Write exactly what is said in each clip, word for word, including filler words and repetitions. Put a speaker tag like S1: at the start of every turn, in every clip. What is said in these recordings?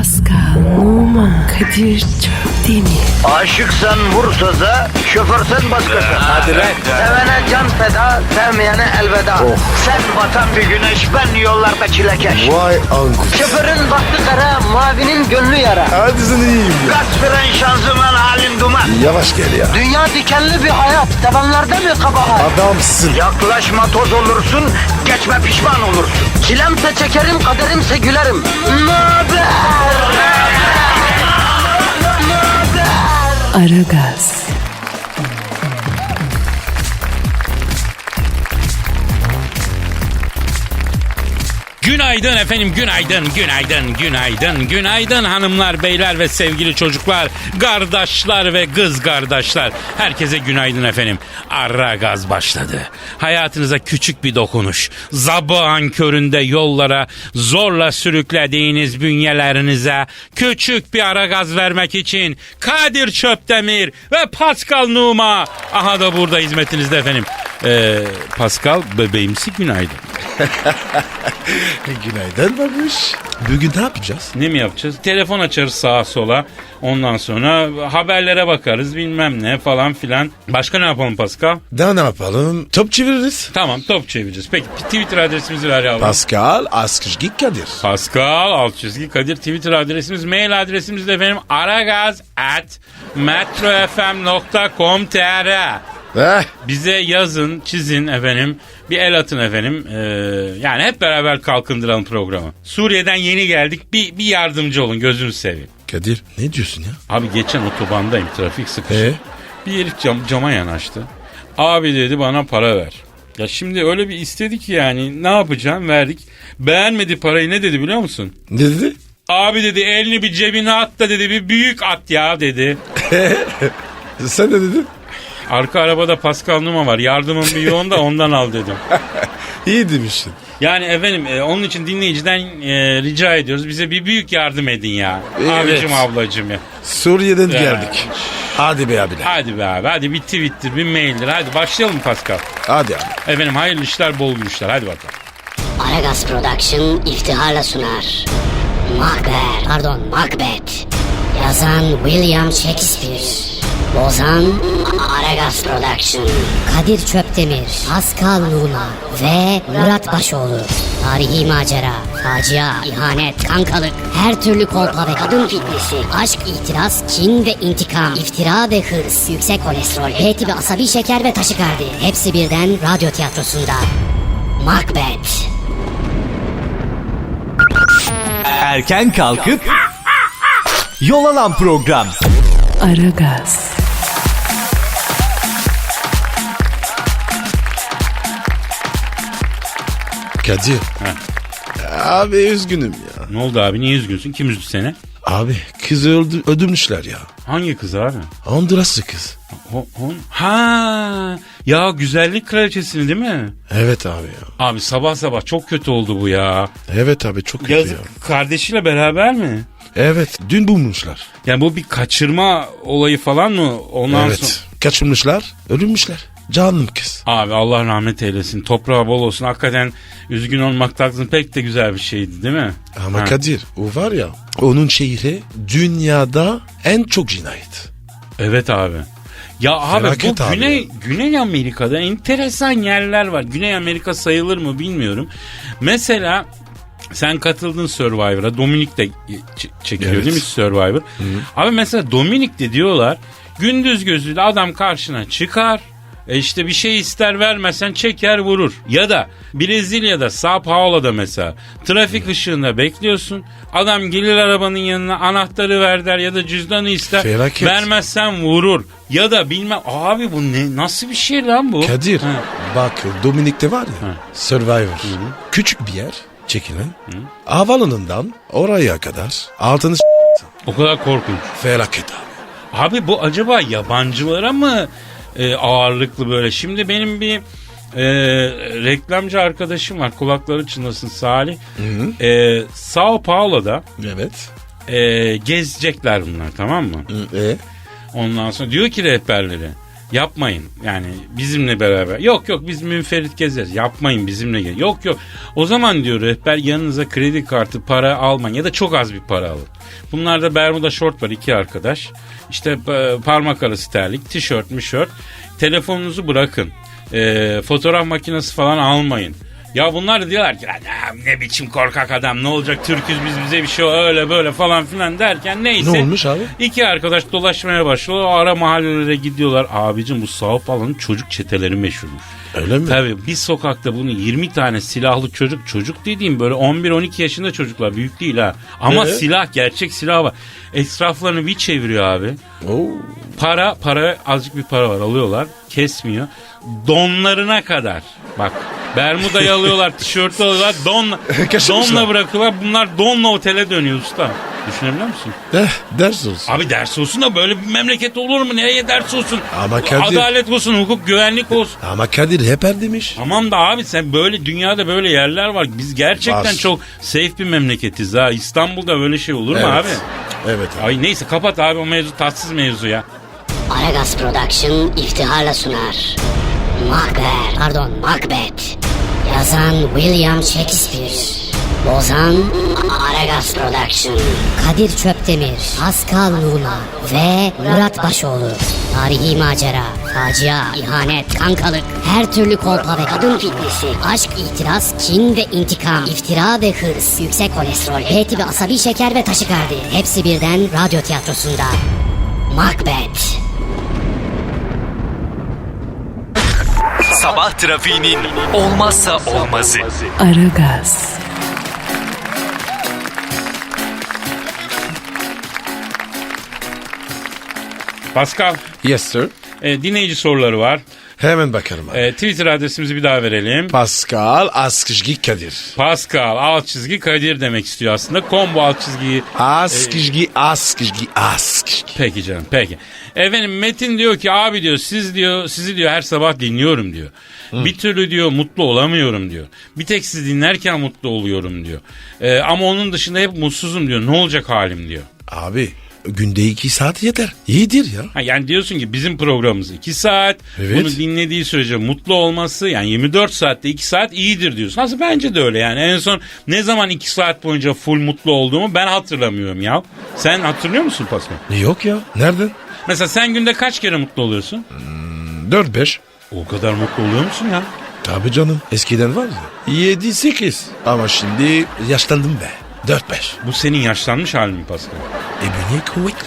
S1: Pascal, Oman, Kadir çok değil mi?
S2: Aşıksan vursa da, şoförsen başkasın.
S3: Hadi lan.
S2: Sevene can feda, sevmeyene elveda. Sen batan bir güneş, ben yollarda çilekeş.
S3: Vay anku.
S2: Şoförün baktı kara, mavinin gönlü yara.
S3: Hadi sen iyiyim ya.
S2: Kasperen şanzıman halin duman.
S3: Yavaş gel ya.
S2: Dünya dikenli bir hayat, sevenlerde mi kabahar?
S3: Adamsın.
S2: Yaklaşma toz olursun, geçme pişman olursun. Çilemse çekerim, kaderimse gülerim. Möber!
S1: Aragaz.
S4: Günaydın efendim, günaydın, günaydın, günaydın, günaydın hanımlar, beyler ve sevgili çocuklar, kardeşler ve kız kardeşler. Herkese günaydın efendim. Aragaz başladı. Hayatınıza küçük bir dokunuş. Sabahın köründe yollara zorla sürüklediğiniz bünyelerinize küçük bir ara gaz vermek için Kadir Çöptemir ve Pascal Numa. Aha da burada hizmetinizde efendim. Ee, Pascal bebeğimsi günaydın.
S3: Günaydın babuş. Bugün ne yapacağız?
S4: Ne mi yapacağız? Telefon açarız sağa sola. Ondan sonra haberlere bakarız bilmem ne falan filan. Başka ne yapalım Pascal?
S3: Daha ne yapalım? Top çeviririz.
S4: Tamam top çevireceğiz. Peki Twitter adresimizi ver yavrum.
S3: Pascal Askışgi Kadir.
S4: Pascal alt çizgi Kadir Twitter adresimiz. Mail adresimiz de efendim aragaz at metrofm nokta com nokta tr.
S3: Eh,
S4: Bize yazın, çizin efendim. Bir el atın efendim. Ee, yani hep beraber kalkındıralım programı. Suriye'den yeni geldik. Bir, bir yardımcı olun gözünüzü seveyim.
S3: Kadir ne diyorsun ya?
S4: Abi geçen otobandayım, trafik sıkıştı.
S3: Ee?
S4: Bir herif cam, cama yanaştı. Abi dedi bana para ver. Ya şimdi öyle bir istedi ki yani ne yapacağım, verdik. Beğenmedi parayı, ne dedi biliyor musun?
S3: Ne dedi?
S4: Abi dedi elini bir cebine at da dedi bir büyük at ya dedi.
S3: Sen ne dedin?
S4: Arka arabada Pascal Numa var, yardımın bir yoğun da ondan al dedim.
S3: İyi demişsin.
S4: Yani efendim e, onun için dinleyiciden e, rica ediyoruz. Bize bir büyük yardım edin ya.
S3: Evet.
S4: Abicim ablacım ya.
S3: Suriye'den
S4: Ya.
S3: geldik. Hadi be abiler.
S4: Hadi be abi, hadi bir tweet'tir bir mail'dir. Hadi başlayalım Pascal.
S3: Hadi abi.
S4: Efendim hayırlı işler, bol gülüşler. Hadi bakalım.
S5: Aragaz Production iftiharla sunar. Macbeth, pardon Macbeth. Yazan William Shakespeare. Bozan Aragaz Production. Kadir Çöptemir, Pascal Numa ve Murat Başoğlu. Tarihi macera, facia, ihanet, kankalık, her türlü kolpa ve kadın fitnesi, aşk, itiraz, kin ve intikam, iftira ve hırs, yüksek kolesterol, H tipi asabi şeker ve taşikardi. Hepsi birden radyo tiyatrosunda. Macbeth.
S6: Erken kalkıp yol alan program.
S1: Aragaz.
S3: Kadir. Abi üzgünüm ya.
S4: Ne oldu abi, niye üzgünsün? Kim üzdü seni?
S3: Abi kızı öldü, öldürmüşler ya.
S4: Hangi kız abi?
S3: Honduraslı kız.
S4: O, on... Ha, ya güzellik kraliçesini değil mi?
S3: Evet abi ya.
S4: Abi sabah sabah çok kötü oldu bu ya.
S3: Evet abi çok kötü
S4: Yazık,
S3: ya.
S4: kardeşiyle beraber mi?
S3: Evet dün bulmuşlar.
S4: Yani bu bir kaçırma olayı falan mı? Ondan
S3: Evet.
S4: sonra...
S3: Kaçırmışlar, ölmüşler. Canım kız.
S4: Abi Allah rahmet eylesin. Toprağı bol olsun. Hakikaten üzgün olmak taksın pek de güzel bir şeydi değil mi?
S3: Ama
S4: Ha.
S3: Kadir o var ya onun şehri dünyada en çok cinayet.
S4: Evet abi. Ya abi
S3: Felaket
S4: bu
S3: abi
S4: Güney
S3: ya.
S4: Güney Amerika'da enteresan yerler var. Güney Amerika sayılır mı bilmiyorum. Mesela sen katıldın Survivor'a. Dominik de ç- çekiliyor
S3: Evet.
S4: değil mi Survivor? Abi mesela Dominik'te diyorlar gündüz gözüyle adam karşına çıkar. E işte bir şey ister vermezsen çeker vurur. Ya da Brezilya'da Sao Paulo'da mesela trafik ışığında bekliyorsun. Adam gelir arabanın yanına anahtarı ver der ya da cüzdanı ister.
S3: Felaket.
S4: Vermezsen vurur. Ya da bilmem abi bu ne nasıl bir şey lan bu?
S3: Kadir
S4: Ha.
S3: bak Dominik'te var ya
S4: Ha.
S3: Survivor. Küçük bir yer çekilen. Havalanından oraya kadar altını s-
S4: O kadar korkunç.
S3: felaket abi.
S4: Abi bu acaba yabancılara mı e, ağırlıklı böyle? Şimdi benim bir e, reklamcı arkadaşım var. Kulakları çınlasın Salih. E, Sao Paulo'da
S3: Evet.
S4: e, gezecekler bunlar, tamam mı?
S3: E?
S4: Ondan sonra diyor ki rehberleri Yapmayın yani bizimle beraber. Yok yok biz münferit gezeriz. Yapmayın bizimle gel. Yok yok. O zaman diyor rehber yanınıza kredi kartı para almayın ya da çok az bir para alın. Bunlarda Bermuda şort var iki arkadaş. İşte e, parmak arası terlik, tişört, mişört. Telefonunuzu bırakın. E, fotoğraf makinesi falan almayın. Ya bunlar da diyorlar ki ne biçim korkak adam ne olacak Türk'üz biz bize bir şey öyle böyle falan filan derken neyse.
S3: Ne olmuş abi?
S4: İki arkadaş dolaşmaya başlıyorlar. O ara mahallelere gidiyorlar. Abicim bu Sao Paulo'nun çocuk çeteleri meşhurmuş.
S3: Öyle mi?
S4: Tabii bir sokakta bunu yirmi tane silahlı çocuk çocuk dediğim böyle on bir on iki yaşında çocuklar büyük değil ha. Ama
S3: Ee?
S4: silah gerçek silah var. Etraflarını bir çeviriyor abi.
S3: Oo.
S4: Para para azıcık bir para var alıyorlar kesmiyor. Donlarına kadar bak Bermuda'yı alıyorlar tişörtü alıyorlar donla,
S3: Kaşımışlar.
S4: donla bırakıyorlar bunlar donla otele dönüyor usta. Düşünebiliyor musun?
S3: Eh, ders olsun.
S4: Abi ders olsun da böyle bir memleket olur mu? Nereye ders olsun?
S3: Ama Kadir-
S4: Adalet olsun, hukuk, güvenlik olsun.
S3: Ama Kadir hep er demiş.
S4: Tamam da abi sen böyle dünyada böyle yerler var. Biz gerçekten
S3: Var.
S4: çok safe bir memleketiz ha. İstanbul'da böyle şey olur mu
S3: Evet.
S4: abi?
S3: Evet abi.
S4: Ay neyse kapat abi o mevzu tatsız mevzu ya.
S5: Aragaz Production iftiharla sunar. Macbeth, pardon Macbeth. Yazan William Shakespeare. Bozan Aragaz Production. Kadir Çöptemir, Pascal Numa ve Murat Başoğlu. Tarihi macera, facia, ihanet, kankalık, her türlü kolpa ve kadın fitnesi, aşk, itiraz, kin ve intikam, iftira ve hırs, yüksek kolesterol, H tipi asabi şeker ve taşikardi. Hepsi birden radyo tiyatrosunda. Macbeth.
S6: Sabah trafiğinin olmazsa olmazı.
S1: Aragaz.
S4: Pascal
S3: Yes sir.
S4: e, dinleyici soruları var.
S3: Hemen bakarım abi.
S4: E, Twitter adresimizi bir daha verelim.
S3: Pascal Askışgi Kadir.
S4: Pascal alt çizgi Kadir demek istiyor aslında. Combo alt çizgiyi.
S3: Askışgi Askışgi Askışgi.
S4: Peki canım peki. Efendim Metin diyor ki abi diyor siz diyor sizi diyor her sabah dinliyorum diyor. Bir türlü diyor mutlu olamıyorum diyor. Bir tek sizi dinlerken mutlu oluyorum diyor. E, ama onun dışında hep mutsuzum diyor. Ne olacak halim diyor.
S3: Abi günde iki saat yeter. İyidir ya.
S4: Ha, yani diyorsun ki bizim programımız iki saat.
S3: Evet.
S4: Bunu dinlediği sürece mutlu olması yani yirmi dört saatte iki saat iyidir diyorsun. Aslında bence de öyle yani. En son ne zaman iki saat boyunca full mutlu olduğumu ben hatırlamıyorum ya. Sen hatırlıyor musun Pascal?
S3: Yok ya. Nereden?
S4: Mesela sen günde kaç kere mutlu oluyorsun?
S3: Dört beş.
S4: O kadar mutlu oluyor musun ya?
S3: Tabii canım. Eskiden var ya. Yedi sekiz. Ama şimdi yaşlandım be. Dört beş.
S4: Bu senin yaşlanmış halin mi Pascal?
S3: E bünye kuvvetli.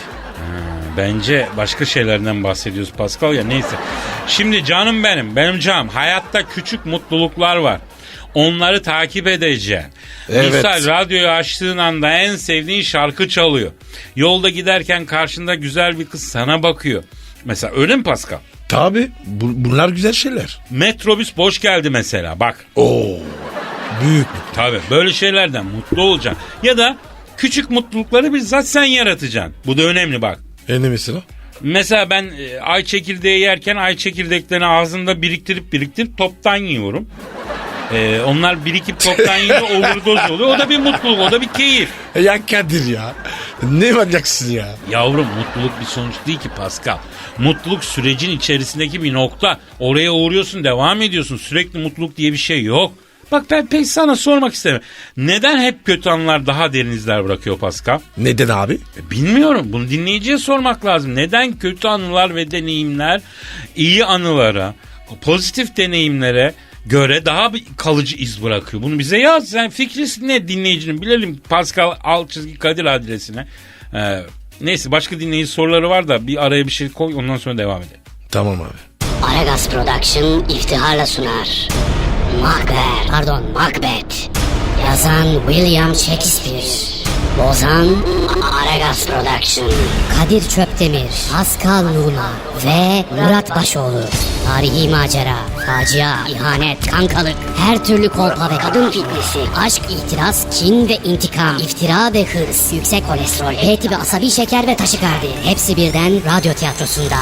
S4: Bence başka şeylerden bahsediyoruz Pascal ya neyse. Şimdi canım benim, benim canım hayatta küçük mutluluklar var. Onları takip edeceksin.
S3: Evet.
S4: Misal radyoyu açtığın anda en sevdiğin şarkı çalıyor. Yolda giderken karşında güzel bir kız sana bakıyor. Mesela öyle mi Pascal?
S3: Tabii. Bu, bunlar güzel şeyler.
S4: Metrobüs boş geldi mesela bak.
S3: Oo. Büyük.
S4: Tabii böyle şeylerden mutlu olacaksın. Ya da küçük mutlulukları bizzat sen yaratacaksın. Bu da önemli bak.
S3: E ne mesela?
S4: Mesela ben e, ay çekirdeği yerken ay çekirdeklerini ağzımda biriktirip biriktirip toptan yiyorum. E, onlar birikip toptan yiyince overdose oluyor. O da bir mutluluk, o da bir keyif.
S3: E ya Kadir ya. Ne manyaksın ya.
S4: Yavrum mutluluk bir sonuç değil ki Pascal. Mutluluk sürecin içerisindeki bir nokta. Oraya uğruyorsun, devam ediyorsun. Sürekli mutluluk diye bir şey yok. Bak ben pek sana sormak istemiyorum. Neden hep kötü anılar daha derin izler bırakıyor Pascal?
S3: Neden abi?
S4: E, Bilmiyorum. Bunu dinleyiciye sormak lazım. Neden kötü anılar ve deneyimler iyi anılara, pozitif deneyimlere göre daha bir kalıcı iz bırakıyor? Bunu bize yaz. Sen fikri ne dinleyicinin bilelim. Pascal alt çizgi Kadir adresine. Ee, neyse başka dinleyici soruları var da bir araya bir şey koy ondan sonra devam edelim.
S3: Tamam abi.
S5: Aragaz Production iftiharla sunar. Macbeth, pardon Macbeth. Yazan William Shakespeare. Bozan Aragaz Production. Kadir Çöptemir, Pascal Numa ve Murat Başoğlu. Tarihi macera, facia, ihanet, kankalık, her türlü kolpa ve kadın fitnesi, aşk, itiraz, kin ve intikam, iftira ve hırs, yüksek kolesterol, H tipi asabi şeker ve taşikardi. Hepsi birden radyo tiyatrosunda.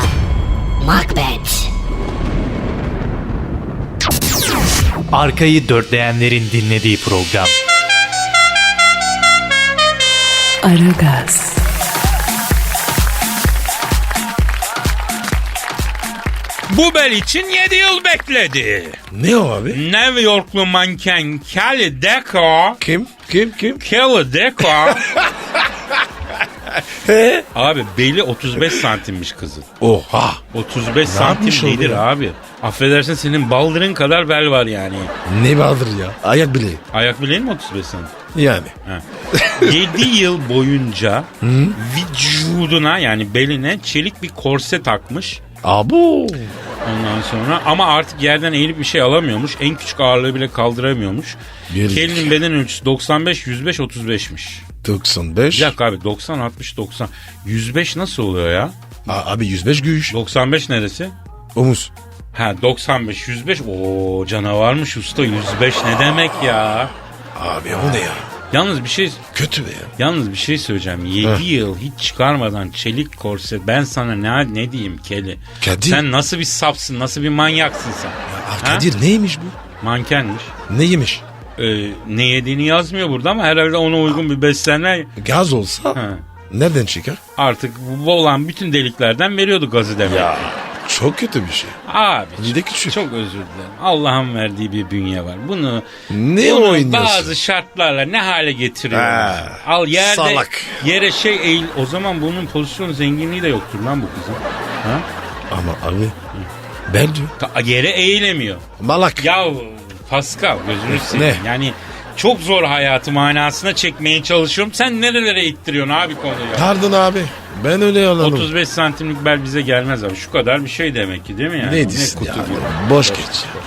S5: Macbeth.
S6: Arkayı dörtleyenlerin dinlediği program.
S1: Aragaz.
S4: Bu bel için yedi yıl bekledi.
S3: Ne o abi?
S4: New Yorklu manken Kelly Deco.
S3: Kim? Kim? Kim?
S4: Kelly Deco.
S3: He?
S4: Abi beli otuz beş santimmiş kızın.
S3: Oha.
S4: otuz beş
S3: yapmış
S4: santim
S3: oldu
S4: nedir
S3: ya?
S4: abi? Affedersin senin baldırın kadar bel var yani.
S3: Ne vardır ya? Ayak bileği.
S4: Ayak bileğin mi otuz beş santim?
S3: Yani.
S4: yedi yıl boyunca vücuduna yani beline çelik bir korse takmış.
S3: Abo.
S4: Ondan sonra ama artık yerden eğilip bir şey alamıyormuş. En küçük ağırlığı bile kaldıramıyormuş.
S3: Gerizekalı.
S4: Kelly'nin beden ölçüsü doksan beş yüz beş otuz beşmiş.
S3: doksan beş.
S4: Bir dakika abi doksan altmış doksan. yüz beş nasıl oluyor ya?
S3: A- abi yüz beş güç.
S4: doksan beş neresi?
S3: Omuz.
S4: Ha doksan beş yüz beş. Oo canavarmış usta yüz beş ne demek ya?
S3: Abi o ne ya?
S4: Yalnız bir şey
S3: Kötü be ya.
S4: yalnız bir şey söyleyeceğim. yedi yıl hiç çıkarmadan çelik korse ben sana ne ne diyeyim Kelly?
S3: Kadir.
S4: Sen nasıl bir sapsın? Nasıl bir manyaksın sen?
S3: Aa, Kadir neymiş bu?
S4: Mankenmiş.
S3: Ne yemiş?
S4: Ee, ne yediğini yazmıyor burada ama herhalde ona uygun bir beslenme
S3: Gaz olsa
S4: Ha.
S3: nereden çıkar?
S4: artık bu olan bütün deliklerden veriyordu gazı demek.
S3: Ya çok kötü bir şey.
S4: Abi
S3: Bir de küçük.
S4: çok özür dilerim. Allah'ın verdiği bir bünye var. Bunu,
S3: Ne
S4: bunu
S3: oynuyorsun?
S4: bazı şartlarla ne hale getiriyorlar.
S3: Ha,
S4: Al yerde
S3: salak.
S4: yere şey eğil. O zaman bunun pozisyon zenginliği de yoktur lan bu kızın. Ha?
S3: Ama abi ben diyor.
S4: Ta- Yere eğilemiyor.
S3: Malak.
S4: Ya Pascal gözünü seveyim.
S3: Ne?
S4: Yani çok zor hayatı manasına çekmeye çalışıyorum. Sen nerelere ittiriyorsun abi konuyu?
S3: Pardon abi. Ben öyle anladım.
S4: otuz beş santimlik bel bize gelmez abi. Şu kadar bir şey demek ki değil mi yani?
S3: Ne
S4: Ne
S3: diyorsun
S4: kutu
S3: ya?
S4: gibi.
S3: Boş geç.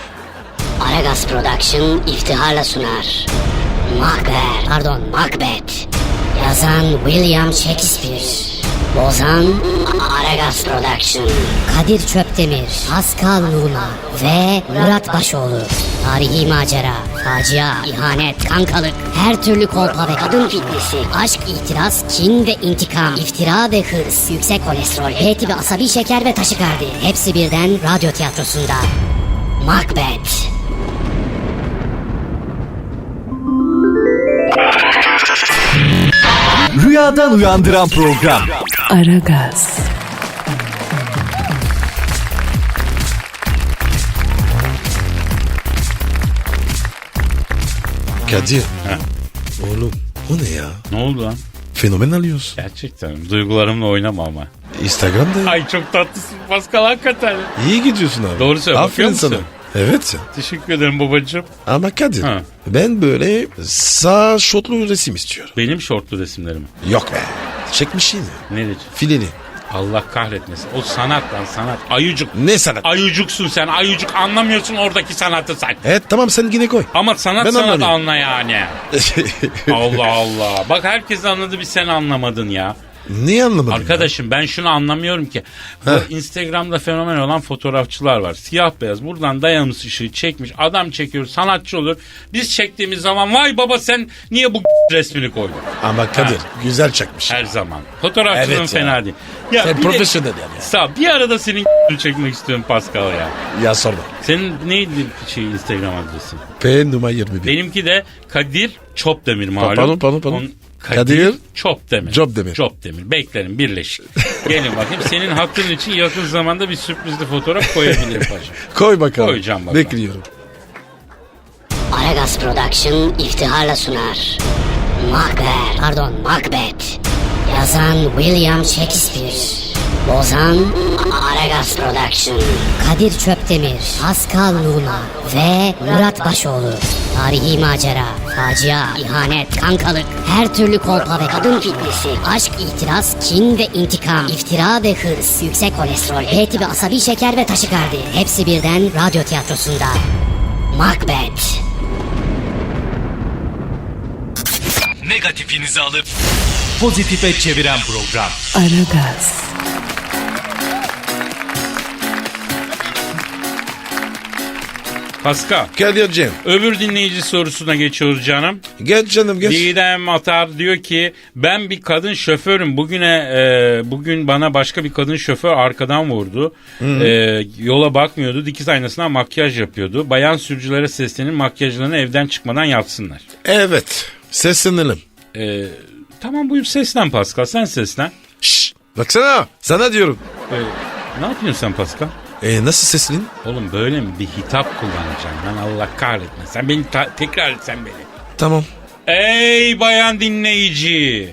S5: Aragaz Production iftiharla sunar. Macbeth, pardon Macbeth. Yazan William Shakespeare. Bozan Aragaz Production. Kadir Çöptemir, Pascal Numa ve Murat Başoğlu. Tarihi macera, facia, ihanet, kankalık, her türlü kolpa ve kadın fitnesi, aşk, itiraz, kin ve intikam, iftira ve hırs, yüksek kolesterol, H tipi asabi şeker ve taşikardi. Hepsi birden radyo tiyatrosunda. Macbeth.
S6: Rüyadan uyandıran program.
S1: Aragaz,
S3: Kadir. Oğlum o ne ya?
S4: Ne oldu lan?
S3: Fenomen alıyorsun.
S4: Gerçekten duygularımla oynama ama.
S3: Instagram'da.
S4: Ay çok tatlısın Pascal hakikaten.
S3: İyi gidiyorsun abi.
S4: Doğru söylüyorsun.
S3: Aferin
S4: Bakıyor
S3: sana.
S4: musun?
S3: Evet ya.
S4: Teşekkür ederim babacığım.
S3: Ama Kadir
S4: Ha.
S3: ben böyle sağ şotlu resim istiyorum.
S4: Benim şortlu resimlerimi.
S3: Yok be. Çekmişsin ya.
S4: Nedir?
S3: Fileli.
S4: Allah kahretmesin. O sanat lan sanat. Ayucuk.
S3: Ne sanat?
S4: Ayucuksun sen. Ayucuk anlamıyorsun oradaki sanatı sen.
S3: Evet tamam sen yine koy.
S4: Ama sanat
S3: Ben
S4: sanat
S3: anlamıyorum.
S4: anla yani. Allah Allah. Bak herkes anladı bir sen anlamadın ya.
S3: Niye anlamadın?
S4: Arkadaşım ben şunu anlamıyorum ki. Bu
S3: Heh.
S4: Instagram'da fenomen olan fotoğrafçılar var. Siyah beyaz buradan dayanmış ışığı çekmiş. Adam çekiyor sanatçı olur. Biz çektiğimiz zaman vay baba sen niye bu resmini koydun?
S3: Ya? Ama Kadir
S4: Ha.
S3: güzel çekmiş.
S4: Her zaman. Fotoğrafçılığın
S3: Evet ya.
S4: fena değil. Ya
S3: Sen
S4: bir de-
S3: profesyonel yani.
S4: Sağ bir arada senin çekmek istiyorum Pascal ya.
S3: Ya sorma.
S4: Senin neydi şey Instagram adresin?
S3: P numara yirmi bir.
S4: Benimki de Kadir Çopdemir malum.
S3: Pardon, pardon, pardon.
S4: On-
S3: Kadir
S4: Kadir Çopdemir.
S3: Çopdemir.
S4: Çopdemir. Beklerim birleşik. Gelin bakayım senin hakkın için yakın zamanda bir sürprizli fotoğraf koyabilirim paşam.
S3: Koy bakalım.
S4: Koyacağım bakalım.
S3: Bekliyorum.
S5: Aragaz Production iftiharla sunar. Macbeth, pardon Macbeth. Yazan William Shakespeare. Bozan Aragaz Production. Kadir Çöptemir, Pascal Numa ve Murat Başoğlu. Tarihi macera, facia, ihanet, kankalık, her türlü kolpa ve kadın fitnesi, aşk, itiraz, kin ve intikam, iftira ve hırs, yüksek kolesterol, H tipi asabi şeker ve taşikardi. Hepsi birden radyo tiyatrosunda. Macbeth.
S6: Negatifinizi alıp pozitife çeviren program.
S1: Aragaz,
S4: Pascal.
S3: Kadir'cim.
S4: Öbür dinleyici sorusuna geçiyoruz canım.
S3: Geç canım geç.
S4: Didem Atar diyor ki ben bir kadın şoförüm. Bugüne e, bugün bana başka bir kadın şoför arkadan vurdu. E, yola bakmıyordu. Dikiz aynasına makyaj yapıyordu. Bayan sürücülere seslenin makyajlarını evden çıkmadan yapsınlar.
S3: Evet. Seslenelim.
S4: E, tamam buyur seslen Pascal sen seslen.
S3: Şşş. Baksana. Sana diyorum.
S4: E, ne yapıyorsun sen Pascal?
S3: E nasıl seslin?
S4: Oğlum böyle mi bir hitap kullanacaksın lan, Allah kahretmesin. Sen beni ta- tekrar et sen beni.
S3: Tamam.
S4: Ey bayan dinleyici.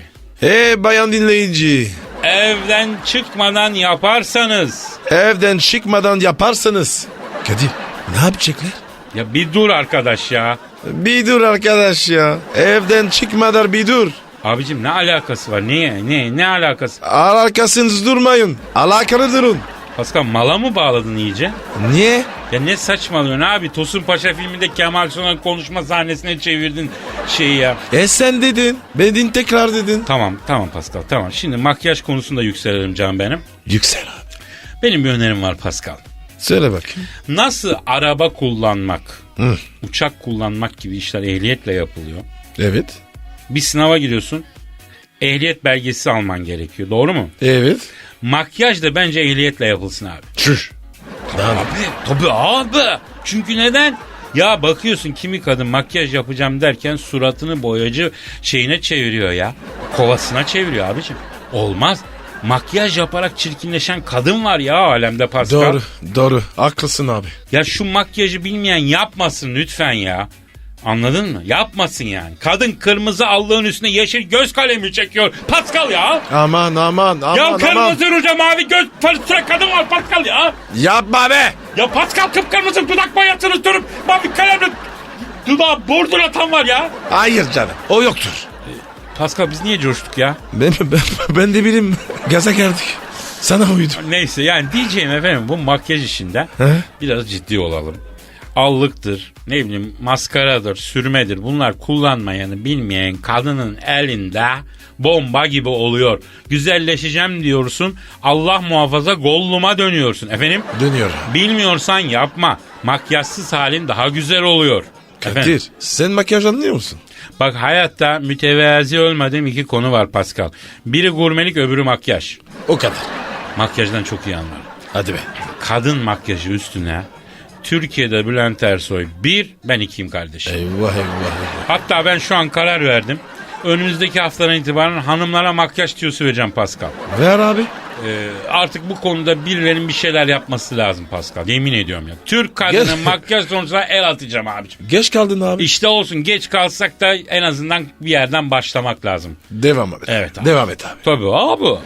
S3: E bayan dinleyici.
S4: Evden çıkmadan yaparsanız.
S3: Evden çıkmadan yaparsanız. Kadir ne yapacaklar?
S4: Ya bir dur arkadaş ya.
S3: Bir dur arkadaş ya. Evden çıkmadan bir dur.
S4: Abicim ne alakası var? Niye? Ne? Ne alakası?
S3: Alakasınız durmayın. Alakalı durun.
S4: Pascal mala mı bağladın iyice?
S3: Niye?
S4: Ya ne saçmalıyorsun abi? Tosun Paşa filminde Kemal Sunal konuşma sahnesine çevirdin şeyi ya.
S3: E sen dedin. Bedin tekrar dedin.
S4: Tamam tamam Pascal tamam. Şimdi makyaj konusunda yükselelim canım benim.
S3: Yüksel abi.
S4: Benim bir önerim var Pascal.
S3: Söyle bakayım.
S4: Nasıl araba kullanmak,
S3: Hı.
S4: uçak kullanmak gibi işler ehliyetle yapılıyor.
S3: Evet.
S4: Bir sınava giriyorsun. Ehliyet belgesi alman gerekiyor. Doğru mu?
S3: Evet.
S4: Makyaj da bence ehliyetle yapılsın abi.
S3: Çüş.
S4: Abi, tabii abi. Çünkü neden? Ya bakıyorsun kimi kadın makyaj yapacağım derken suratını boyacı şeyine çeviriyor ya. Kovasına çeviriyor abicim. Olmaz. Makyaj yaparak çirkinleşen kadın var ya alemde Pascal.
S3: Doğru. Doğru. Haklısın abi.
S4: Ya şu makyajı bilmeyen yapmasın lütfen ya. Anladın mı? Yapmasın yani. Kadın kırmızı allığın üstüne yeşil göz kalemi çekiyor. Pascal ya.
S3: Aman aman aman
S4: Ya
S3: aman.
S4: kırmızı ruja mavi göz süren kadın var Pascal ya.
S3: Yapma be.
S4: Ya Pascal kıpkırmızı dudak boyasını sürüp mavi kalemle dudağı borduratan var ya.
S3: Hayır canım. O yoktur.
S4: Pascal biz niye coştuk ya?
S3: Ben, ben, ben de bileyim. Gaza geldik. Sana uydu.
S4: Neyse yani diyeceğim efendim bu makyaj işinde
S3: He?
S4: biraz ciddi olalım. Allıktır, ne bileyim maskaradır, sürmedir. Bunlar kullanmayanı bilmeyen kadının elinde bomba gibi oluyor. Güzelleşeceğim diyorsun. Allah muhafaza Gollum'a dönüyorsun. Efendim?
S3: Dönüyor.
S4: Bilmiyorsan yapma. Makyajsız halin daha güzel oluyor.
S3: Kadir
S4: Efendim?
S3: sen makyaj anlıyor musun?
S4: Bak hayatta mütevazi olmadığım iki konu var Pascal. Biri gurmelik, öbürü makyaj.
S3: O kadar.
S4: Makyajdan çok iyi anlarım.
S3: Hadi be.
S4: Kadın makyajı üstüne Türkiye'de Bülent Ersoy bir, ben ikiyim kardeşim.
S3: Eyvah eyvah eyvah.
S4: Hatta ben şu an karar verdim. Önümüzdeki haftadan itibaren hanımlara makyaj tüyosu vereceğim Pascal.
S3: Ver abi.
S4: Ee, artık bu konuda birilerinin bir şeyler yapması lazım Pascal. Yemin ediyorum ya. Türk kadının
S3: Gel.
S4: makyaj sonucuna el atacağım abicim.
S3: Geç kaldın abi.
S4: İşte olsun geç kalsak da en azından bir yerden başlamak lazım.
S3: Devam et.
S4: Evet abi.
S3: Devam et abi.
S4: Tabii abi.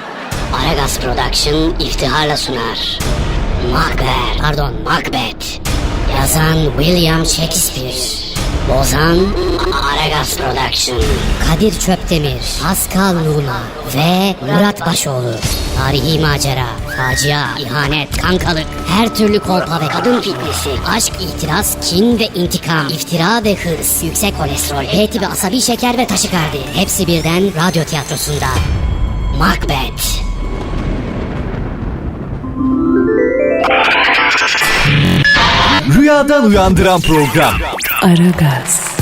S5: Aragaz Production iftiharla sunar. Macbeth, pardon Macbeth. Yazan William Shakespeare. Bozan Aragaz Production. Kadir Çöptemir, Pascal Numa ve Murat Başoğlu. Tarihi macera, facia, ihanet, kankalık, her türlü kolpa ve kadın fitnesi, aşk, itiraz, kin ve intikam, iftira ve hırs, yüksek kolesterol, H tipi asabi şeker ve taşikardi. Hepsi birden radyo tiyatrosunda. Macbeth.
S6: Rüyadan uyandıran program.
S1: Aragaz,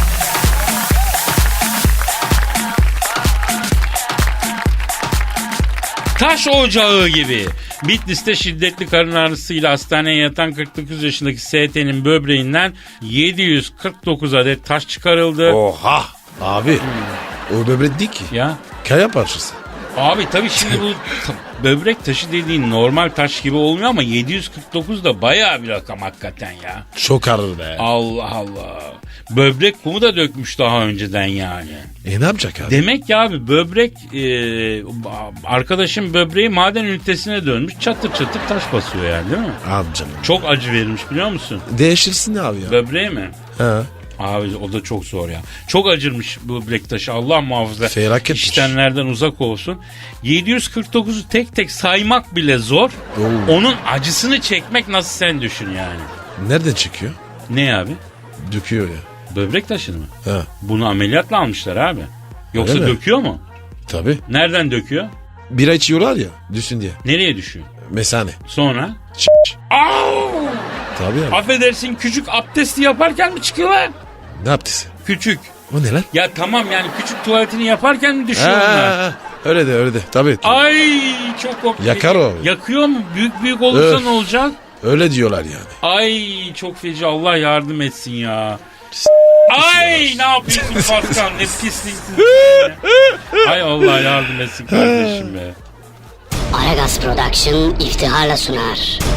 S4: Taş ocağı gibi. Bitlis'te şiddetli karın ağrısıyla hastaneye yatan kırk dokuz yaşındaki S T'nin böbreğinden yedi yüz kırk dokuz adet taş çıkarıldı.
S3: Oha. Abi. O böbrek değil ki.
S4: Ya
S3: Kaya parçası.
S4: abi tabii şimdi bu ta- böbrek taşı dediğin normal taş gibi olmuyor ama yedi yüz kırk dokuz da bayağı bir rakam hakikaten ya.
S3: Çok ağır be.
S4: Allah Allah. Böbrek kumu da dökmüş daha önceden yani.
S3: E ne yapacak abi?
S4: Demek ki abi böbrek e, arkadaşım böbreği maden ünitesine dönmüş, çatır çatır taş basıyor yani değil mi?
S3: Abi canım.
S4: Çok acı verilmiş biliyor musun?
S3: Değişirsin abi ya.
S4: Böbreği mi?
S3: Ha.
S4: Abi o da çok zor ya. Çok acırmış böbrek taşı, Allah muhafaza.
S3: Felaketmiş.
S4: İştenlerden uzak olsun. yedi yüz kırk dokuzu tek tek saymak bile zor.
S3: Oo.
S4: Onun acısını çekmek nasıl sen düşün yani.
S3: Nereden çıkıyor?
S4: Ne abi?
S3: Döküyor ya.
S4: Böbrek taşını mı?
S3: Ha.
S4: Bunu ameliyatla almışlar abi. Yoksa
S3: Öyle mi?
S4: döküyor mu?
S3: Tabii.
S4: Nereden döküyor?
S3: Bira içiyorlar ya. Düşsün diye.
S4: Nereye düşüyor?
S3: Mesane.
S4: Sonra?
S3: Ç-
S4: Aa!
S3: Tabii abi.
S4: Affedersin küçük abdesti yaparken mi çıkıyorlar?
S3: Ne yaptı sen?
S4: Küçük.
S3: O ne lan?
S4: Ya tamam yani küçük tuvaletini yaparken mi düşüyor
S3: Ha,
S4: onlar?
S3: ha, ha. Öyle de öyle de. Tabii.
S4: Ay çok korkunç.
S3: Yakar o.
S4: Yakıyor mu? Büyük büyük olursa
S3: Öf.
S4: ne olacak?
S3: Öyle diyorlar yani.
S4: Ay çok feci, Allah yardım etsin ya. Ay ne yapıyorsun Pascal, ne pisliksin sen ya. Ay Allah yardım etsin kardeşim be.
S5: Aragaz Production iftiharla sunar.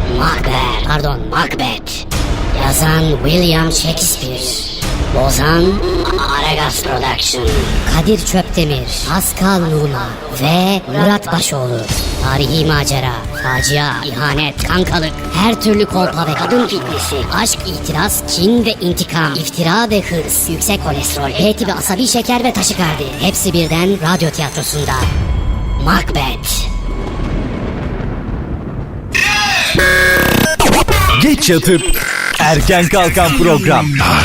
S5: Macbeth, pardon Macbeth. Yazan William Shakespeare. Bozan Aragaz Production. Kadir Çöptemir, Pascal Numa ve Murat Başoğlu. Tarihi macera, facia, ihanet, kankalık, her türlü kolpa ve kadın fitnesi, aşk, itiraz, kin ve intikam, iftira ve hırs, yüksek kolesterol, H tipi asabi şeker ve taşikardi. Hepsi birden radyo tiyatrosunda. Macbeth.
S6: Geç yatıp erken kalkan program.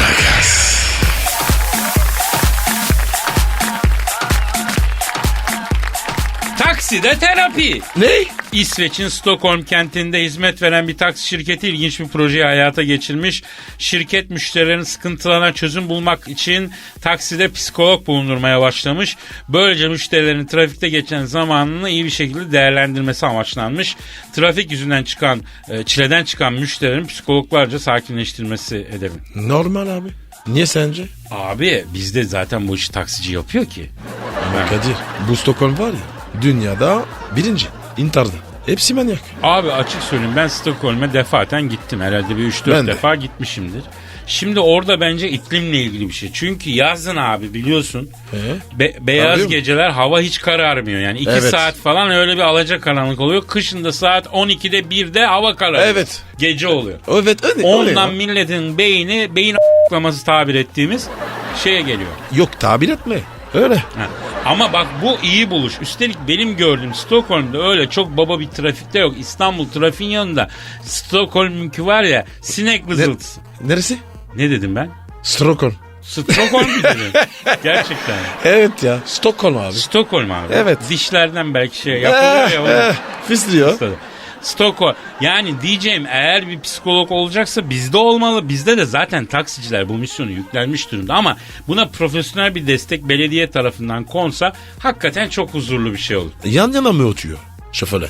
S4: Takside terapi.
S3: Ne?
S4: İsveç'in Stockholm kentinde hizmet veren bir taksi şirketi ilginç bir projeyi hayata geçirmiş. Şirket müşterilerin sıkıntılarına çözüm bulmak için takside psikolog bulundurmaya başlamış. Böylece müşterilerin trafikte geçen zamanını iyi bir şekilde değerlendirmesi amaçlanmış. Trafik yüzünden çıkan, çileden çıkan müşterilerin psikologlarca sakinleştirmesi hedefi.
S3: Normal abi. Niye sence?
S4: Abi bizde zaten bu işi taksici yapıyor ki.
S3: Ama Kadir, bu Stockholm var ya, dünyada birinci. İntarda. Hepsi manyak.
S4: Abi açık söyleyeyim, ben Stockholm'e defaten gittim. Herhalde bir üç dört
S3: Ben de.
S4: defa gitmişimdir. Şimdi orada bence iklimle ilgili bir şey. Çünkü yazın abi biliyorsun
S3: Ee?
S4: be- beyaz
S3: Arıyor mu?
S4: geceler hava hiç kararmıyor. Yani iki
S3: Evet.
S4: saat falan öyle bir alacakaranlık oluyor. Kışın da saat on ikide birde hava kararıyor.
S3: Evet.
S4: Gece oluyor.
S3: Evet öyle.
S4: Ondan
S3: öyle ya.
S4: milletin beyni, beyin a**laması tabir ettiğimiz şeye geliyor.
S3: Yok tabir etme. Öyle.
S4: Ha. Ama bak bu iyi buluş. Üstelik benim gördüğüm Stockholm'da öyle çok baba bir trafikte yok. İstanbul trafiğin yanında Stockholm'unki var ya sinek vızıltısı.
S3: Neresi?
S4: Ne dedim ben?
S3: Stockholm.
S4: Stockholm mu dedim? Gerçekten.
S3: Evet ya. Stockholm abi.
S4: Stockholm abi.
S3: Evet.
S4: Dişlerden belki şey yapılıyor ya.
S3: Eh,
S4: onu-
S3: eh, Fisliyor.
S4: Stockholm. Yani diyeceğim eğer bir psikolog olacaksa bizde olmalı. Bizde de zaten taksiciler bu misyonu yüklenmiş durumda. Ama buna profesyonel bir destek belediye tarafından konsa hakikaten çok huzurlu bir şey olur.
S3: Yan yana mı oturuyor şoföre?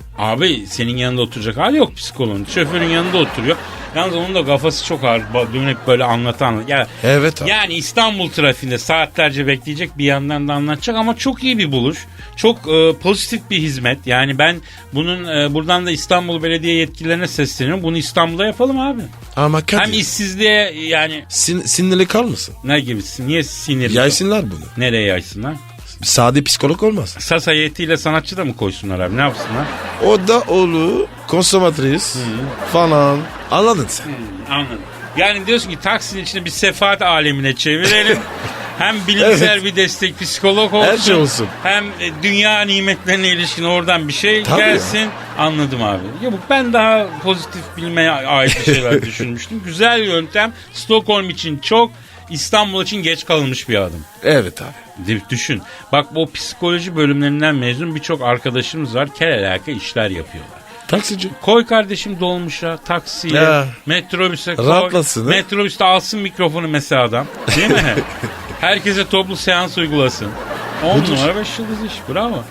S4: Abi senin yanında oturacak hali yok psikoloğun. Şoförün yanında oturuyor. Yalnız onun da kafası çok ağır. Dönüp böyle anlatan. Yani,
S3: Evet abi.
S4: yani İstanbul trafiğinde saatlerce bekleyecek, bir yandan da anlatacak ama çok iyi bir buluş. Çok e, pozitif bir hizmet. Yani ben bunun e, buradan da İstanbul Belediye yetkililerine sesleniyorum. Bunu İstanbul'da yapalım abi.
S3: Ama Kadir.
S4: Hem işsizliğe yani
S3: Sin, sinirli kalmasın.
S4: ne gibisin? Niye sinirli?
S3: Yaysınlar bunu.
S4: Nereye yaysınlar?
S3: Sade psikolog olmaz.
S4: Sas heyetiyle sanatçı da mı koysunlar abi? Ne yapsınlar?
S3: O da oğlu konsomatris falan. Anladın sen.
S4: Anladım. Yani diyorsun ki taksinin içine bir sefaat alemine çevirelim. Hem bilimsel
S3: Evet.
S4: bir destek psikolog olsun.
S3: Her şey olsun.
S4: Hem e, dünya nimetlerine ilişkin oradan bir şey
S3: Tabii
S4: gelsin. Anladım abi. Ya bu ben daha pozitif bilmeye ait bir şeyler düşünmüştüm. Güzel yöntem. Stockholm için çok, İstanbul için geç kalınmış bir adım.
S3: Evet abi.
S4: Düşün. Bak bu psikoloji bölümlerinden mezun birçok arkadaşımız var. Kel işler yapıyorlar.
S3: Taksici.
S4: Koy kardeşim dolmuşa, taksiye,
S3: Ya.
S4: metrobüse koy.
S3: Rahatlasın, he?
S4: Metrobüste alsın mikrofonu mesela adam. Değil mi? Herkese toplu seans uygulasın. on numara beş yıldız iş. Bravo.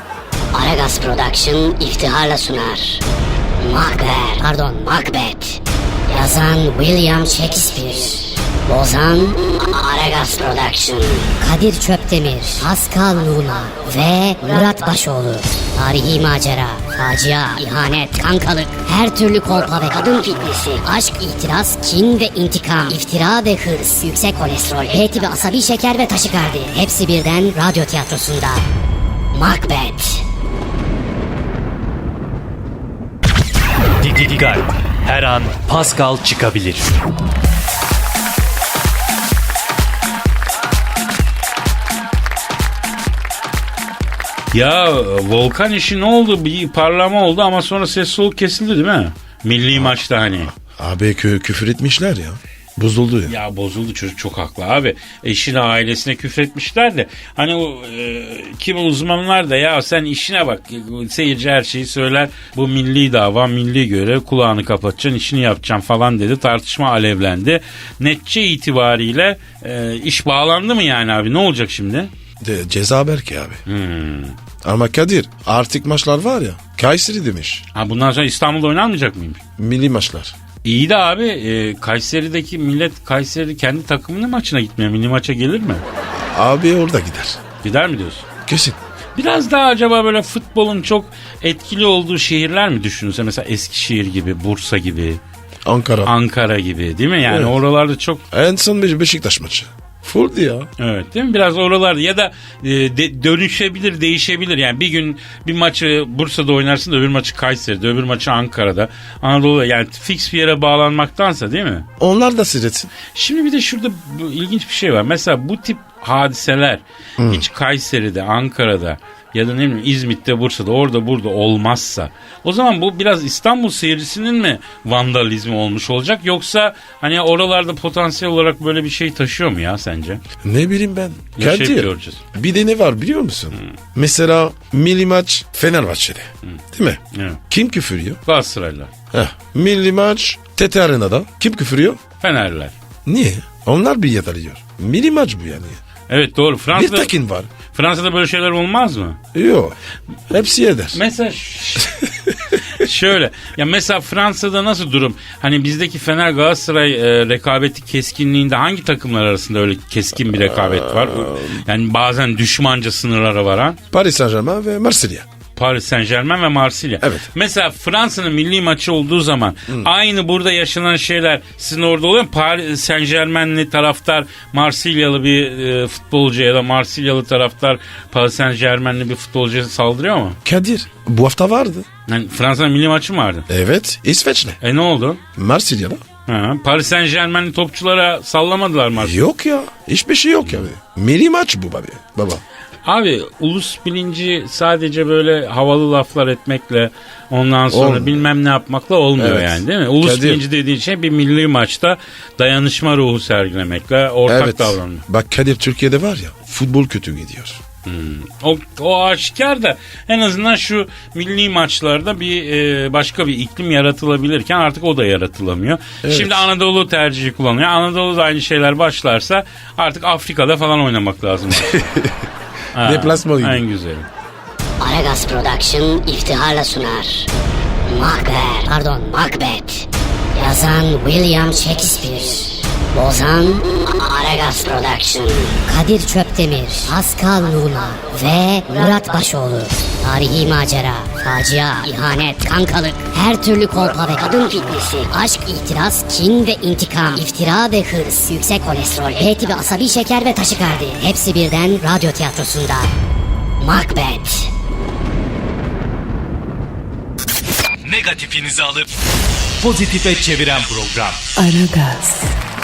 S5: Aragaz Production iftiharla sunar. Macbeth, pardon Macbeth. Yazan William Shakespeare. Bozan Aragaz Production. Kadir Çöptemir, Pascal Numa ve Murat Başoğlu. Tarihi macera, facia, ihanet, kankalık, her türlü kolpa ve kadın fitnesi, aşk, itiraz, kin ve intikam, iftira ve hırs, yüksek kolesterol, H tipi asabi şeker ve taşikardi. Hepsi birden radyo tiyatrosunda. Macbeth.
S6: Dikkat. Her an Pascal çıkabilir.
S4: Ya Volkan işi ne oldu? Bir parlama oldu ama sonra ses soluk kesildi değil mi? Milli maçta hani.
S3: Abi kö- küfür etmişler ya. Bozuldu ya.
S4: Ya bozuldu, çocuk çok haklı abi. Eşine ailesine küfretmişler de hani o e, kimi uzmanlar da ya sen işine bak, seyirci her şeyi söyler, bu milli dava, milli görev, kulağını kapatacaksın, işini yapacaksın falan dedi, tartışma alevlendi. Netçe itibariyle e, iş bağlandı mı yani abi, ne olacak şimdi?
S3: De, ceza belki abi.
S4: Hmm.
S3: Ama Kadir artık maçlar var ya. Kayseri demiş.
S4: Ha, bundan sonra İstanbul'da oynanmayacak mıymış?
S3: Milli maçlar.
S4: İyi de abi e, Kayseri'deki millet Kayseri kendi takımının maçına gitmiyor. Milli maça gelir mi?
S3: Abi orada gider.
S4: Gider mi diyorsun?
S3: Kesin.
S4: Biraz daha acaba böyle futbolun çok etkili olduğu şehirler mi düşünülse? Mesela Eskişehir gibi, Bursa gibi,
S3: Ankara.
S4: Ankara gibi değil mi? Yani
S3: Evet.
S4: oralarda çok...
S3: En son bir Beşiktaş maçı. Fulldi ya.
S4: Evet değil mi? Biraz oralarda ya da e, de, dönüşebilir, değişebilir. Yani bir gün bir maçı Bursa'da oynarsın da öbür maçı Kayseri'de, öbür maçı Ankara'da. Anadolu'da yani fix bir yere bağlanmaktansa değil mi?
S3: Onlar da seyretsin.
S4: Şimdi bir de şurada bu, ilginç bir şey var. Mesela bu tip hadiseler hiç Kayseri'de, Ankara'da ya da ne bileyim İzmit'te, Bursa'da, orada burada olmazsa o zaman bu biraz İstanbul seyircisinin mi vandalizmi olmuş olacak, yoksa hani oralarda potansiyel olarak böyle bir şey taşıyor mu ya sence?
S3: Ne bileyim ben.
S4: Yaşayıp
S3: Kadir,
S4: göreceğiz.
S3: bir de ne var biliyor musun? Mesela milli maç Fenerbahçe'de. Değil mi?
S4: Evet.
S3: Kim küfürüyor?
S4: Galatasaraylılar,
S3: Heh. Milli maç T T Arena'da. Kim küfürüyor?
S4: Fenerliler.
S3: Niye? Onlar bir yatalıyor. Milli maç bu yani.
S4: Evet doğru.
S3: Bir
S4: Fransa'da,
S3: takin var.
S4: Fransa'da böyle şeyler olmaz mı?
S3: Yok. Hepsi eder.
S4: Mesela ş- şöyle ya, mesela Fransa'da nasıl durum? Hani bizdeki Fener Galatasaray e, rekabeti keskinliğinde hangi takımlar arasında öyle keskin bir rekabet var? Yani bazen düşmanca sınırlara varan.
S3: Paris Saint-Germain ve Marsilya.
S4: Paris Saint-Germain ve Marsilya.
S3: Evet.
S4: Mesela Fransa'nın milli maçı olduğu zaman aynı burada yaşanan şeyler sizin orada oluyor mu? Paris Saint-Germain'li taraftar Marsilyalı bir e, futbolcu ya da Marsilyalı taraftar Paris Saint-Germain'li bir futbolcuya saldırıyor mu?
S3: Kadir bu hafta vardı.
S4: Yani Fransa'nın milli maçı mı vardı?
S3: Evet. İsveç'le.
S4: E ne oldu?
S3: Marsilya'da.
S4: Ha, Paris Saint-Germain'li topçulara sallamadılar mı?
S3: Yok ya. Hiçbir şey yok yani. Milli maç bu baba. Baba.
S4: Abi ulus bilinci sadece böyle havalı laflar etmekle, ondan sonra
S3: Olmuyor.
S4: bilmem ne yapmakla olmuyor
S3: Evet.
S4: yani, değil mi? Ulus
S3: Kadir.
S4: bilinci dediğin şey bir milli maçta dayanışma ruhu sergilemekle, ortak
S3: Evet.
S4: davranma.
S3: Bak Kadir Türkiye'de var ya futbol kötü gidiyor.
S4: O, o aşikar da en azından şu milli maçlarda bir e, başka bir iklim yaratılabilirken artık o da yaratılamıyor.
S3: Evet.
S4: Şimdi Anadolu tercihi kullanıyor. Anadolu'da aynı şeyler başlarsa artık Afrika'da falan oynamak lazım. Ha,
S3: Deplasman gibi.
S4: en güzeli.
S5: Aragaz Production iftiharla sunar. Macbeth, pardon Macbeth. Yazan William Shakespeare. Bozan Aragaz Production. Kadir Çöptemir, Pascal Numa ve Murat Başoğlu. Tarihi macera, facia, ihanet, kankalık, her türlü kolpa ve kadın fitnesi, aşk, itiraz, kin ve intikam, iftira ve hırs, yüksek kolesterol, B tipi asabi şeker ve taşikardi. Hepsi birden radyo tiyatrosunda. Macbeth.
S6: Negatifinizi alıp pozitife çeviren program.
S1: Aragaz,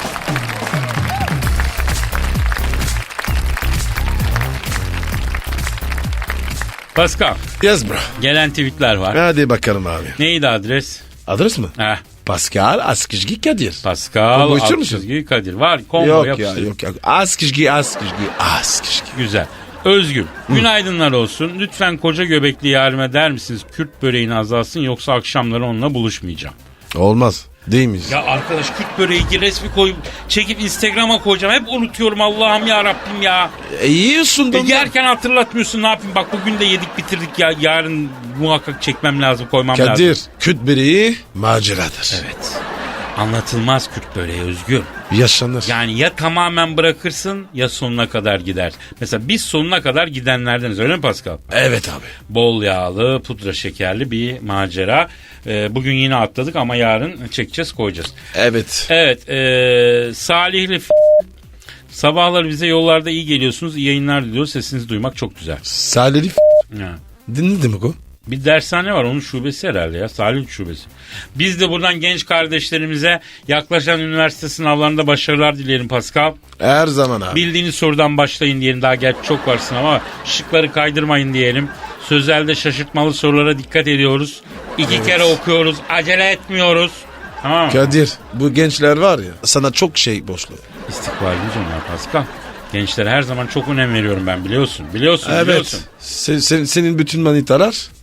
S4: Pascal,
S3: Yes bro.
S4: gelen tweetler var.
S3: Hadi bakalım abi.
S4: Neydi adres?
S3: Adres mi?
S4: Heh,
S3: Pascal Askizgi Kadir.
S4: Pascal
S3: Combo istiyor musun?
S4: Altçizgi Kadir. Var, combo
S3: Yok ya
S4: yapıştır.
S3: yok ya. Askizgi Askizgi Askizgi.
S4: Güzel. Özgür, günaydınlar olsun. Lütfen koca göbekli yarime der misiniz Kürt böreğini azalsın, yoksa akşamları onunla buluşmayacağım.
S3: Olmaz. Değil miyiz?
S4: Ya arkadaş, Kürt böreği resmi koyup çekip Instagram'a koyacağım. Hep unutuyorum, Allah'ım ya Rabbim ya.
S3: E, yiyorsun da.
S4: E, yerken hatırlatmıyorsun, ne yapayım? Bak bugün de yedik bitirdik ya. Yarın muhakkak çekmem lazım, koymam lazım.
S3: Kadir. Küt böreği maceradır.
S4: Evet. Anlatılmaz Kürt böreği Özgür.
S3: Yaşanır.
S4: Yani ya tamamen bırakırsın ya sonuna kadar gider. Mesela biz sonuna kadar gidenlerdeniz, öyle mi Pascal?
S3: Evet abi.
S4: Bol yağlı, pudra şekerli bir macera. Ee, bugün yine atladık ama yarın çekeceğiz, koyacağız.
S3: Evet.
S4: Evet, ee, Salihli f- sabahlar bize yollarda iyi geliyorsunuz. İyi yayınlar diliyoruz. Sesinizi duymak çok güzel.
S3: Salih
S4: Ha.
S3: dinledin mi o?
S4: Bir dershane var, onun şubesi herhalde ya, Salih şubesi. Biz de buradan genç kardeşlerimize yaklaşan üniversite sınavlarında başarılar dileyelim Pascal.
S3: Her zaman abi.
S4: Bildiğiniz sorudan başlayın diyelim, daha gerçi çok var sınav ama şıkları kaydırmayın diyelim. Sözelde şaşırtmalı sorulara dikkat ediyoruz. İki
S3: Evet.
S4: kere okuyoruz, acele etmiyoruz. Tamam mı?
S3: Kadir bu gençler var ya sana çok şey borçlu.
S4: İstikbalimiz onlar Pascal. Gençlere her zaman çok önem veriyorum ben, biliyorsun. Biliyorsun,
S3: Evet.
S4: biliyorsun.
S3: Sen, sen- senin bütün manitalar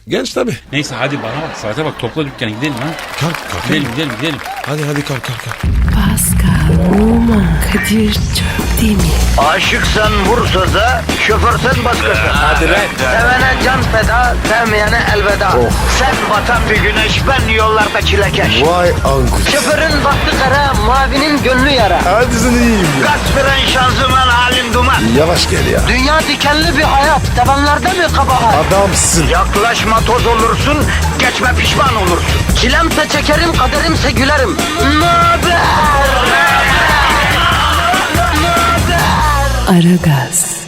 S3: Genç tabii.
S4: Neyse hadi bana bak saate bak topla dükkanı gidelim ha.
S3: Kalk kalk.
S4: Gidelim gidelim gidelim.
S3: Hadi hadi kalk kalk kalk.
S1: Pascal, Oman, Kadir çok değil mi?
S2: Aşıksan vursa da, şoförsen başkasın. Hadi
S6: lan.
S2: Sevene can feda, sevmeyene elveda. Sen batan bir güneş, ben yollarda çilekeş.
S3: Vay anku.
S2: Şoförün baktı kara, mavinin gönlü yara.
S3: Hadi sen iyiyim ya.
S2: Kasperen şanzıman halin duman.
S3: Yavaş gel ya.
S2: Dünya dikenli bir hayat, sevenlerde mi kabahar?
S3: Adamsın.
S2: Yaklaşma toz olursun, geçme pişman olursun. Çilemse çekerim, kaderimse gülerim. Möber!
S1: Aragaz.